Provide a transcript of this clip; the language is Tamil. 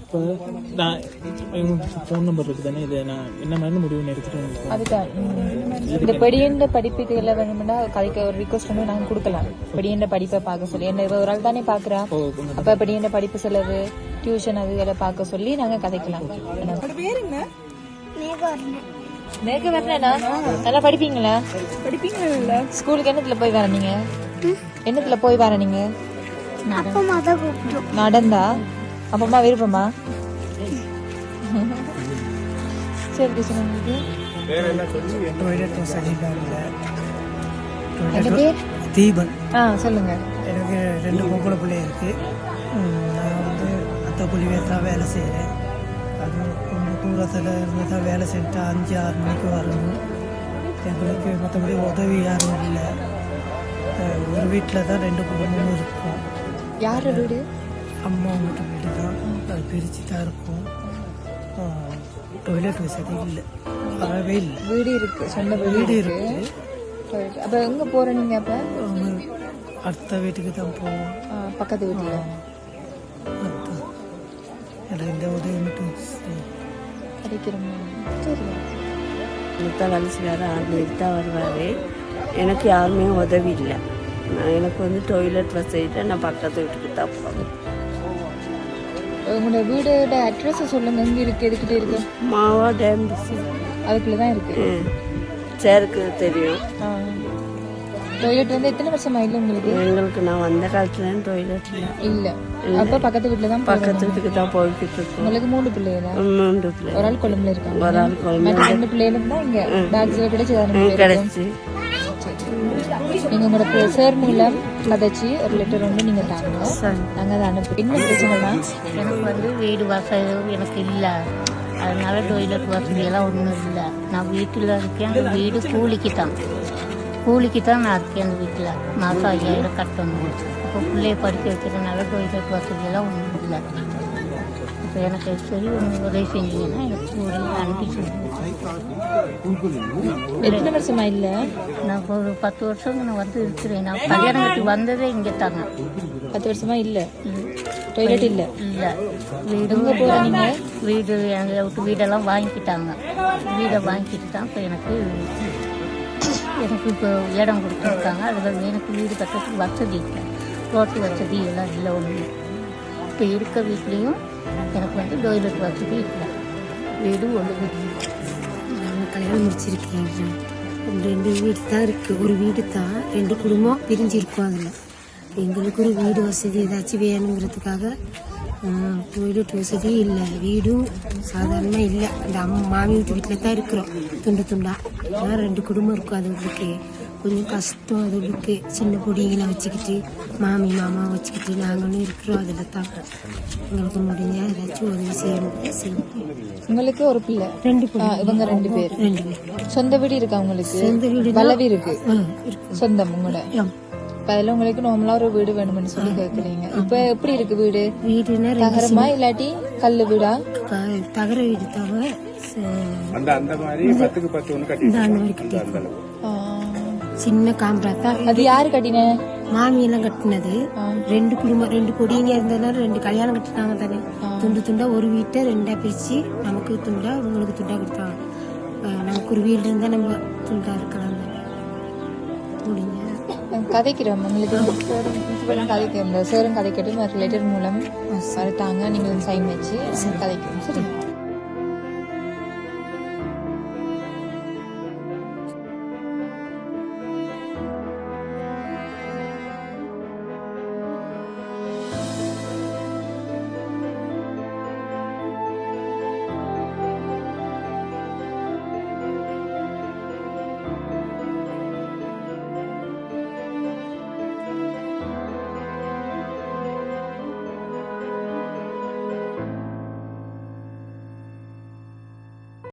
இப்போ நான் ஃபோன் நம்பர் இருக்குது தானே, இதை நான் என்ன மாதிரி முடிவு எடுத்துட்டு அதுதான் இந்த படியண்ட படிப்புக்கு எல்லாம் வேணும்னா கதைக்கு ஒரு ரிக்வஸ்ட் வந்து நாங்கள் கொடுக்கலாம். படியண்ட படிப்பை பார்க்க சொல்லி என்ன ஒரு ஆள் தானே பார்க்குறா, அப்போ படியண்ட படிப்பு செலவு டியூஷன் அது இதெல்லாம் பார்க்க சொல்லி நாங்கள் கதைக்கலாம். மேக வரணும்னா நல்லா படிப்பீங்களா? படிப்பீங்களா? ஸ்கூலுக்கு என்னத்துல போய் வர நீங்க? என்னத்துல போய் வர நீங்க? நடந்தா? அப்பமா விருப்பமா? சரி கிருஷ்ணன், உங்களுக்கு தீபன். சொல்லுங்க. எனக்கு 2 பொம்பளை பிள்ளை இருக்கு. நான் வந்து அத்தை புள்ளிவேல் தான் வேலை செய்கிறேன். அது கொஞ்சம் தூரத்தில் இருந்து தான் வேலை செஞ்சுட்டு 5-6 மணிக்கு வரணும். எங்களுக்கு மற்றபடி உதவி யாரும் இல்லை. ஒரு வீட்டில் தான் 2 குடும்பமும் இருக்கும். யார் வீடு? அம்மா வீட்டு வீடு தான். அது பிரித்து தான் இருக்கும். டாய்லெட் வசதி இல்லை, அறவே இல்லை. வீடு இருக்கு, சொந்த வீடு இருக்கு. அப்போ எங்கே போகிற நீங்கள்? அப்போ அடுத்த வீட்டுக்கு தான் போவோம். பக்கத்து வீட்டில் எனக்கு இந்த உதவி மட்டும் கிடைக்கிறோம். சரி, வேலை செய்யாத 6 மணிக்கு தான் வருவார். எனக்கு யாருமே உதவி இல்லை. எனக்கு வந்து டாய்லெட் வசதிட்டு நான் பக்கத்து வீட்டுக்கு தான் போவேன். உங்களோட வீடோட அட்ரஸ் சொல்லுங்க. எங்கே இருக்கு, எதுக்கிட்டே இருக்கு? மாவா டேம் அதுக்குள்ள தான் இருக்கு. சேருக்கு தெரியும். டாய்லெட் வந்து எத்தனை வருஷமா இல்லை உங்களுக்கு? எங்களுக்கு நான் வந்த காலத்துல டாய்லெட் இல்லை. அப்போ பக்கத்து வீட்டில் தான், பக்கத்து வீட்டுக்கு தான் போய்கிட்டு இருக்கோம். உங்களுக்கு 3 பிள்ளைகளா? 3 பிள்ளை. ஒரு ஆள் கொழும்புல இருக்காங்க, ஒரு ஆள் கொழும்புல. 2 பிள்ளைகளும் தான் இங்கே டாக்ஸில் கிடைச்சி. நீங்க உங்களோட சார் மூலம் கதைச்சி ஒரு லெட்டர் வந்து நீங்க தாங்க, நாங்க அதை அனுப்பி. என்ன பிரச்சனைனா எனக்கு வந்து வீடு வசதி எனக்கு இல்லை, அதனால டாய்லெட் வசதியெல்லாம் ஒன்றும் இல்லை. நான் வீட்டில் இருக்கேன். அந்த வீடு கூலிக்கு தான் நான் இருக்கேன். அந்த வீட்டில் மாதம் 5000 கட்டணும். அப்போ பிள்ளைய படிக்க வைக்கிறதுனால டாய்லெட் வசதியெல்லாம் ஒன்றும் இல்லை. இப்போ எனக்கு சரி ஒன்று உதவி செஞ்சீங்கன்னா எனக்கு ஒரு அனுப்பி சொல்லுவேன். எத்தனை வருஷமா இல்லை? நான் ஒரு 10 வருஷம் நான் வந்து இருக்கிறேன். நான் கல்யாணம் கட்டி வந்ததே இங்கே தாங்க. 10 வருஷமா இல்லை, டாய்லெட் இல்லை. இல்லை, வீடுங்க போகிறீங்க. வீடு எங்களை விட்டு வீடெல்லாம் வாங்கிக்கிட்டாங்க. வீடை வாங்கிக்கிட்டு தான் இப்போ எனக்கு இப்போ இடம் கொடுத்துருக்காங்க. அதில் எனக்கு வீடு கட்டுறதுக்கு வசதி இல்லை, ரோட்டு வசதி எல்லாம் இல்லை ஒன்று. இப்போ இருக்க வீட்லேயும் எனக்கு வந்து டாய்லெட் வசதி இல்லை, வீடு ஒன்று. கல்யாணம் முடிச்சிருக்கேன். 2 வீடு தான் இருக்குது. ஒரு வீடு தான் 2 குடும்பம் பிரிஞ்சிருக்கும். அதில் எங்களுக்கு ஒரு வீடு வசதி ஏதாச்சும் வேணுங்கிறதுக்காக டாய்லெட் வசதி இல்லை, வீடும் சாதாரணமாக இல்லை. அந்த மாமி வீட்டில் தான் இருக்கிறோம், துண்டு துண்டா. ஆனால் 2 குடும்பம் இருக்கும். அது உங்களுக்கு கொஞ்சம் கஷ்டம். அது உங்களுக்கு சின்ன பொடிகளை வச்சுக்கிட்டு மாமி மாமா வச்சுக்கிட்டு நாங்களும் இருக்கிறோம். அதில் தான் எங்களுக்கு முடிஞ்ச ஏதாச்சும் உதவி செய்யணும். உங்களுக்கு ஒரு பிள்ளை? 2 பிள்ளை. இவங்க 2 பேர். சொந்த வீடு இருக்கா உங்களுக்கு? சொந்த வீடு வளவி இருக்கு. சொந்தம் உங்களோட? அதில் உங்களுக்கு நார்மலா ஒரு வீடு வேணும்னு சொல்லி கேட்குறீங்க. இப்போ எப்படி இருக்கு வீடு? வீடுன்னா தகரமா இல்லாட்டி கல்லு வீடா? தகர வீடு தவிர அந்த மாதிரி 10க்கு 10 ஒன்று கட்டி சின்ன காம்பரா தான். அது யாரு கட்டின? மாமியெல்லாம் கட்டினது. 2 குடும்பம் 2 பொடிங்க இருந்ததுனால 2 கல்யாணம் கட்டினாங்க தானே. துண்டு துண்டா ஒரு வீட்டை 2ஆ பிரிச்சு நமக்கு துண்டா உங்களுக்கு துண்டா கொடுத்தாங்க. நமக்கு ஒரு வீடு இருந்தா நம்ம துண்டா இருக்கலாம். முடிஞ்ச கதைக்கிறோம் உங்களுக்கு கதைக்கிறோம். சேரும் கதைக்கட்டும் லெட்டர் மூலம் தாங்க, நீங்கள் சைன் வச்சு கதைக்கிறோம். சரி.